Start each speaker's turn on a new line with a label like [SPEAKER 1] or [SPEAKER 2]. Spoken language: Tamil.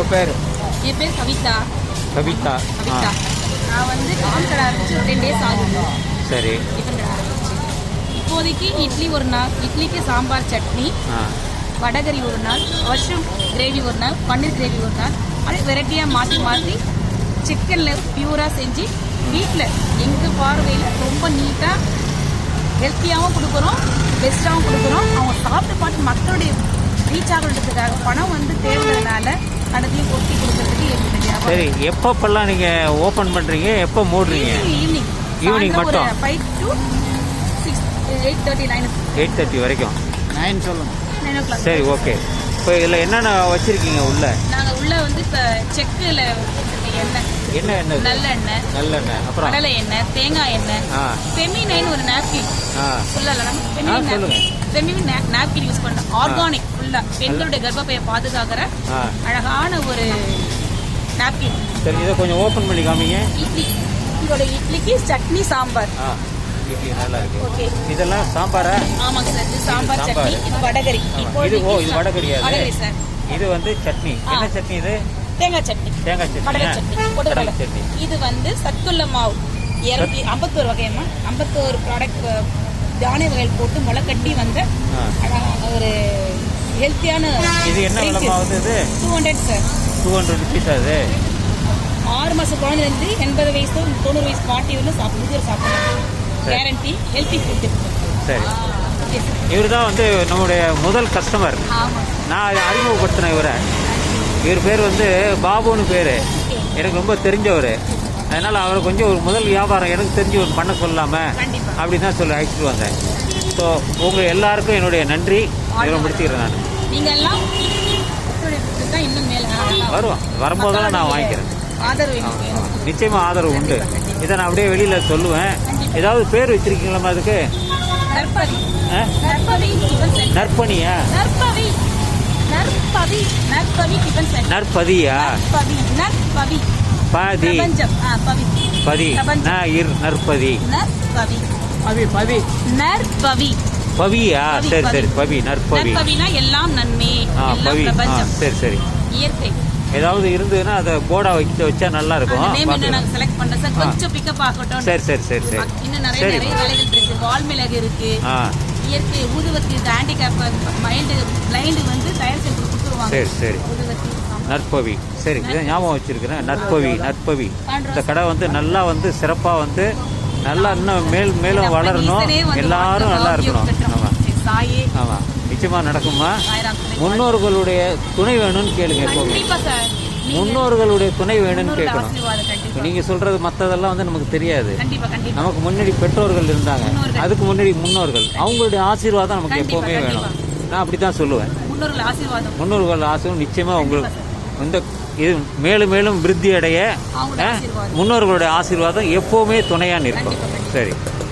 [SPEAKER 1] உங்கள் பேர்?
[SPEAKER 2] என் பேர் கவிதா.
[SPEAKER 1] கவிதா.
[SPEAKER 2] கவிதா. நான் வந்து டிஃபன் கடை ஆரம்பிச்சு ஒரு 10 days ஆகுது.
[SPEAKER 1] சரி.
[SPEAKER 2] டிஃபன் கடை ஆரம்பிச்சு இப்போதைக்கு இட்லி ஒரு நாள், இட்லிக்கு சாம்பார் சட்னி, வடகரி ஒரு நாள், மஷ்ரூம் கிரேவி ஒரு நாள், பன்னீர் கிரேவி ஒரு நாள், அப்படியே வெரைட்டியாக மாற்றி மாற்றி சிக்கனில் பியூராக செஞ்சு வீட்டில் எங்கள் பார்வையில் ரொம்ப நீட்டாக ஹெல்த்தியாகவும் கொடுக்குறோம், பெஸ்ட்டாகவும் கொடுக்குறோம். அவங்க சாப்பிட்டு பார்த்து மக்களுடைய ரீச் ஆகிறதுக்காக பணம் வந்து தேவைனால கடத்தையும் கொட்டி கொடுக்கறதுக்கு எங்களுக்கு.
[SPEAKER 1] சரி, எப்பப்பெல்லாம் நீங்கள் ஓப்பன் பண்ணுறீங்க, எப்போ மூடுறீங்க? ஈவினிங் மட்டும்
[SPEAKER 2] 5 to 6, 8:30, 9.
[SPEAKER 1] 8:30 வரைக்கும்.
[SPEAKER 2] 9 சொல்லுங்கள். 9 o'clock.
[SPEAKER 1] சரி, ஓகே. இப்போ இதில் என்னென்ன வச்சுருக்கீங்க உள்ள?
[SPEAKER 2] நாங்கள் உள்ள வந்து இப்போ செக்கில் எண்ணெய்,
[SPEAKER 1] என்ன எண்ணெய்?
[SPEAKER 2] நல்லெண்ணெய்,
[SPEAKER 1] நல்லெண்ணெய், அப்புறம்
[SPEAKER 2] கடலை எண்ணெய், தேங்காய் எண்ணெய், ஃபெமினைன் ஒரு நாப்கின் ஃபுல்லாக ஃபெமினைன் நாப்கின் யூஸ் பண்ணோம். ஆர்கானிக் ஃபுல்லாக பெண்களுடைய கர்ப்பப்பையை பாதுகாக்கிற அழகான ஒரு நாப்கின்.
[SPEAKER 1] சரி, இதை கொஞ்சம் ஓப்பன் பண்ணி காமிங்க.
[SPEAKER 2] இட்லி, இதோட இட்லிக்கு சட்னி சாம்பார்.
[SPEAKER 1] இட்லி நல்லா இருக்கு.
[SPEAKER 2] ஓகே,
[SPEAKER 1] இதெல்லாம் சாம்பாரா?
[SPEAKER 2] ஆமாங்க சார், இது சாம்பார் சட்னி, இது வடகரி.
[SPEAKER 1] இது வடகரியா?
[SPEAKER 2] வடகரி சார்.
[SPEAKER 1] இது வந்து சட்னி. என்ன சட்னி இது?
[SPEAKER 2] தேங்காய் சட்னி.
[SPEAKER 1] தேங்காய் சட்னி,
[SPEAKER 2] கடலை சட்னி, பொட்டுக்கடலை
[SPEAKER 1] சட்னி.
[SPEAKER 2] இது வந்து சத்துள்ள மாவு 251 வகையமா 51 ப்ராடக்ட் தானிய வகைகள் போட்டு முளை கட்டி வந்த ஒரு ஹெல்த்தியான.
[SPEAKER 1] இது என்ன விலை மாவு? இது
[SPEAKER 2] 200 சார்.
[SPEAKER 1] 200 rupees. அது
[SPEAKER 2] 6 மாசம் குழந்தைலேருந்து 80 வயசு 90 வயசு பாட்டி வந்து சாப்பிடலாம். Guarantee healthy food.
[SPEAKER 1] சரி, இவர் தான் வந்து நம்முடைய முதல் கஸ்டமர். நான் அறிமுகப்படுத்தினேன் இவரை. இவர் பேர் வந்து பாபுன்னு பேர். எனக்கு ரொம்ப தெரிஞ்சவர். அதனால் அவரை கொஞ்சம் ஒரு முதல் வியாபாரம் எனக்கு தெரிஞ்சு ஒரு பண்ண சொல்லாமல் அப்படி தான் சொல்லி அழைச்சிட்டு வந்தேன். ஸோ உங்கள் எல்லாருக்கும் என்னுடைய நன்றி முடிச்சுக்கிறேன். நான்
[SPEAKER 2] நீங்கள் எல்லாம் இன்னும் மேலே
[SPEAKER 1] வருவோம், வரும்போதெல்லாம் நான் வாங்கிக்கிறேன். நிச்சயமாக ஆதரவு உண்டு. இதை நான் அப்படியே வெளியில் சொல்லுவேன். ஏதாவது பேர் வச்சிருக்கீங்களா அதுக்கு? நற்பணியா? நற்பதியா? பதி பதி நற்பதி பவியா? சரி சரி, பவி நற்பவி.
[SPEAKER 2] எல்லாம் நன்மை,
[SPEAKER 1] பவி. சரி சரி.
[SPEAKER 2] இயற்கை
[SPEAKER 1] ஏதாவது இருந்ததுன்னா அதை போர்டா வச்சா நல்லா இருக்கும். சரி சரி சரி சரி.
[SPEAKER 2] இன்னும் நிறைய வேலைகள் இருக்கு. வால்மிளகு இருக்கு, இயற்கை ஊதுவத்தி, ஹேண்டிகேப் மைண்டு பிளைண்டு வந்து தயார் செஞ்சு கொடுத்துருவாங்க.
[SPEAKER 1] சரி சரி. நற்பவி. சரி, இதை ஞாபகம் வச்சிருக்கிறேன். நற்பவி நற்பவி. இந்த கடை வந்து நல்லா வந்து சிறப்பாக வந்து நல்லா இன்னும் மேலும் வளரணும், எல்லாரும் நல்லா இருக்கணும். ஆமாம் ஆமாம், நிச்சயமாக நடக்குமா? முன்னோர்களுடைய துணை வேணும்னு கேளுங்க. எப்போவுமே முன்னோர்களுடைய துணை வேணும்னு கேட்கணும். நீங்கள் சொல்கிறது மற்றதெல்லாம் வந்து நமக்கு தெரியாது. நமக்கு முன்னாடி பெற்றோர்கள் இருந்தாங்க, அதுக்கு முன்னாடி முன்னோர்கள், அவங்களுடைய ஆசீர்வாதம் நமக்கு எப்போவுமே வேணும். நான் அப்படி தான் சொல்லுவேன். முன்னோர்கள் ஆசீர்வாதம் நிச்சயமாக உங்களுக்கு இந்த இது மேலும் மேலும் விருத்தி அடைய முன்னோர்களுடைய ஆசீர்வாதம் எப்போவுமே துணையாக நிற்கும். சரி.